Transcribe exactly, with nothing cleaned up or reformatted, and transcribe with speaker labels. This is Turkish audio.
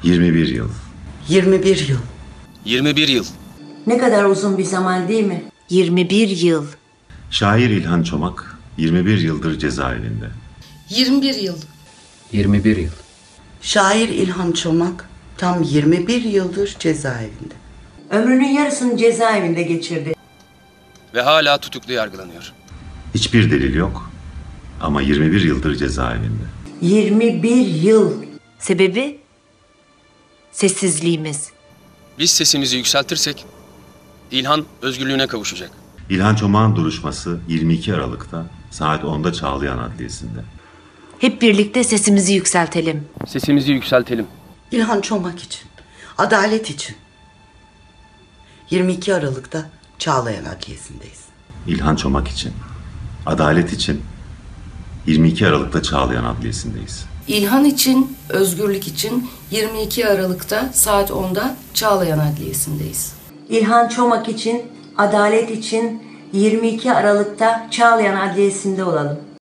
Speaker 1: yirmi bir yıl.
Speaker 2: yirmi bir yıl.
Speaker 3: yirmi bir yıl.
Speaker 2: Ne kadar uzun bir zaman değil mi?
Speaker 4: yirmi bir yıl.
Speaker 1: Şair İlhan Çomak yirmi bir yıldır cezaevinde.
Speaker 5: yirmi bir yıl.
Speaker 6: yirmi bir yıl.
Speaker 2: Şair İlhan Çomak tam yirmi bir yıldır cezaevinde.
Speaker 7: Ömrünün yarısını cezaevinde geçirdi.
Speaker 3: Ve hala tutuklu yargılanıyor.
Speaker 1: Hiçbir delil yok ama yirmi bir yıldır cezaevinde.
Speaker 7: yirmi bir yıl.
Speaker 4: Sebebi? Sessizliğimiz.
Speaker 3: Biz sesimizi yükseltirsek İlhan özgürlüğüne kavuşacak.
Speaker 1: İlhan Çomak'ın duruşması yirmi iki Aralık'ta saat onda Çağlayan Adliyesi'nde.
Speaker 4: Hep birlikte sesimizi yükseltelim.
Speaker 3: Sesimizi yükseltelim.
Speaker 2: İlhan Çomak için, adalet için. yirmi iki Aralık'ta Çağlayan Adliyesi'ndeyiz.
Speaker 1: İlhan Çomak için, adalet için yirmi iki Aralık'ta Çağlayan Adliyesi'ndeyiz.
Speaker 5: İlhan için, özgürlük için yirmi iki Aralık'ta saat onda Çağlayan Adliyesi'ndeyiz.
Speaker 7: İlhan Çomak için, adalet için yirmi iki Aralık'ta Çağlayan Adliyesi'nde olalım.